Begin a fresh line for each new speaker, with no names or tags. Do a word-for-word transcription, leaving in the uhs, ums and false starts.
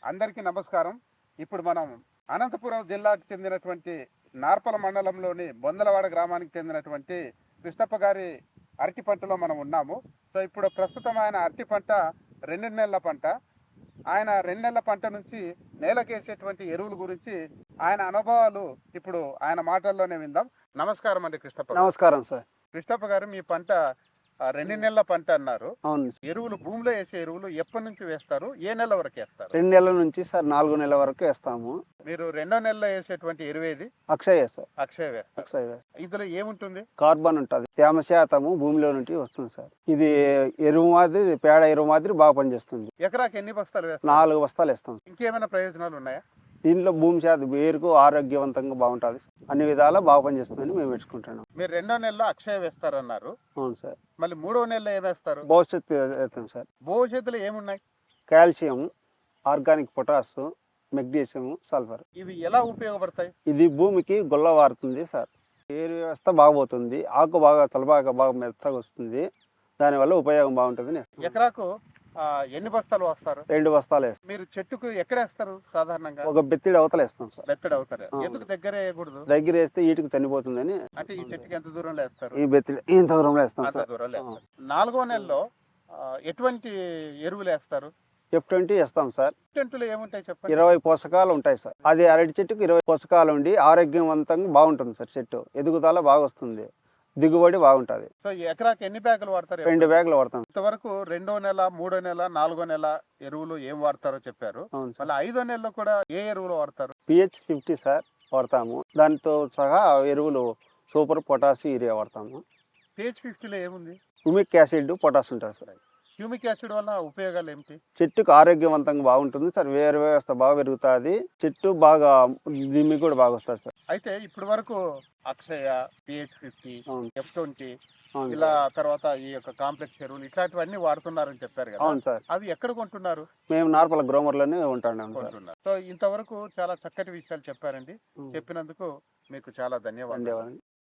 అందరికీ నమస్కారం. ఇప్పుడు మనం అనంతపురం జిల్లాకు చెందినటువంటి నార్పల మండలంలోని బొందలవాడ గ్రామానికి చెందినటువంటి కృష్ణప్ప గారి అరటి పంటలో మనం ఉన్నాము. సో ఇప్పుడు ప్రస్తుతం ఆయన అరటి పంట రెండు నెలల పంట. ఆయన రెండు నెలల పంట నుంచి నేలకేసేటువంటి ఎరువుల గురించి ఆయన అనుభవాలు ఇప్పుడు ఆయన మాటల్లోనే విందాం. నమస్కారం అండి కృష్ణప్ప గారు.
నమస్కారం సార్.
కృష్ణప్ప గారు, మీ పంట ఆ, రెండు నెలల పంట అన్నారు.
అవును సార్.
ఎరువులు భూమిలో వేసే ఎరువులు ఎప్పటి నుంచి వేస్తారు, ఏ నెల వరకు వేస్తారు?
రెండు నెలల నుంచి సార్ నాలుగు నెలల వరకు వేస్తాము.
మీరు రెండో నెలలో వేసేటువంటి ఎరువు ఏది?
అక్షయ సార్.
అక్షయ వేస్తారు.
అక్షయ వేస్తాం.
ఇందులో ఏముంటుంది?
కార్బన్ ఉంటుంది, తేమ శాతము భూమిలో నుండి వస్తుంది సార్. ఇది ఎరువు మాదిరి, పేడ ఎరువు మాదిరి బాగా పనిచేస్తుంది.
ఎకరాకి ఎన్ని బస్తాలు వేస్తారు?
నాలుగు బస్తాలు వేస్తాం.
ఇంకేమైనా ప్రయోజనాలు ఉన్నాయా?
దీనిలో భూమి శాతం వేరుకు ఆరోగ్యవంతంగా బాగుంటుంది, అన్ని విధాలా బాగా పనిచేస్తుందని మేము పెట్టుకుంటున్నాం.
మీరు రెండో నెలలో అక్షయ వేస్తారన్నారు.
అవును సార్.
మళ్ళీ మూడో నెలలో ఏమేస్తారు?
భవిష్యత్తు వేస్తాం సార్.
భవిష్యత్తులో ఏమున్నాయి?
Calcium, organic potash, magnesium, sulphur.
ఇవి ఎలా ఉపయోగపడతాయి?
ఇది భూమికి గొల్ల వారుతుంది సార్. ఏరు వ్యవస్థ బాగుపోతుంది, ఆకు బాగా తలబాగా బాగా మెత్తగా వస్తుంది, దానివల్ల ఉపయోగం బాగుంటుంది.
ఎకరాకు ఆ, ఎన్ని బస్తాలు వస్తారు?
రెండు బస్తాలు వేస్తాం.
మీరు చెట్టుకు ఎక్కడ వేస్తారు సాధారణంగా?
ఒక బెత్తిడి అవతల వేస్తాం సార్.
బెత్తడి అవుతారు.
ఆ.
ఎందుకు దగ్గర వేయకూడదు?
దగ్గర వేస్తే ఈటుకు చనిపోతుందని
అంటే ఈ చెట్టుకి ఎంత దూరంలో వేస్తారు?
ఈ బెత్తిడి ఇంత దూరంలో వేస్తాం
అంత
సార్.
దూరంలో వేస్తారు. నాలుగో నెలలో ఆ, ఎటువంటి ఎరువులు వేస్తారు?
ఎఫ్ ట్వంటీ వేస్తాం సార్.
టెంటులో ఏముంటాయి చెప్పండి?
ఇరవై పోషకాలు ఉంటాయి సార్. అది అరటి చెట్టుకు ఇరవై పోషకాలు ఉండి ఆరోగ్యవంతంగా బాగుంటుంది సార్. చెట్టు ఎదుగుదల బాగా వస్తుంది, దిగుబడి బాగుంటుంది.
సో ఈ ఎకరాకి ఎన్ని బ్యాగులు వాడతారు?
రెండు బ్యాగులు వాడతాం.
ఇంతవరకు రెండో నెల, మూడో నెల, నాలుగో నెల ఎరువులు ఏం వాడతారో చెప్పారు.
అవును సార్.
మళ్ళీ ఐదో నెలలో కూడా ఏ ఎరువులు వాడతారు?
పిహెచ్ ఫిఫ్టీ సార్ వాడతాము. దానితో సహా ఎరువులు సూపర్, పొటాష్, యూరియా వాడతాము.
పేజ్ ఫిఫ్టీలో ఏముంది?
హ్యూమిక్ యాసిడ్, పొటాష్ ఉంటుంది సార్.
హ్యూమిక్ యాసిడ్ వల్ల ఉపయోగాలు ఏమిటి?
చెట్టుకు ఆరోగ్యవంతంగా బాగుంటుంది సార్. వేరు వ్యవస్థ బాగా పెరుగుతుంది, చెట్టు బాగా దిమ్మి కూడా బాగా వస్తుంది సార్.
అయితే ఇప్పటి వరకు అక్షయ, పిహెచ్ ఫిఫ్టీ,
అవును.
ఎఫ్ ట్వంటీ
అవును
ఇలా
సార్.
తర్వాత ఈ యొక్క కాంప్లెక్స్ ఎరువులు ఇట్లాంటివన్నీ వాడుతున్నారని చెప్పారు కదా.
అవును సార్.
అవి ఎక్కడ కొంటున్నారు?
మేము నార్పల గ్రోమర్లోనే ఉంటున్నాం సార్.
కొంటున్నారు. సో ఇంతవరకు చాలా చక్కటి విషయాలు చెప్పారండి.
ఉం.
చెప్పినందుకు మీకు చాలా ధన్యవాదాలు.
ధన్యవాదాలు.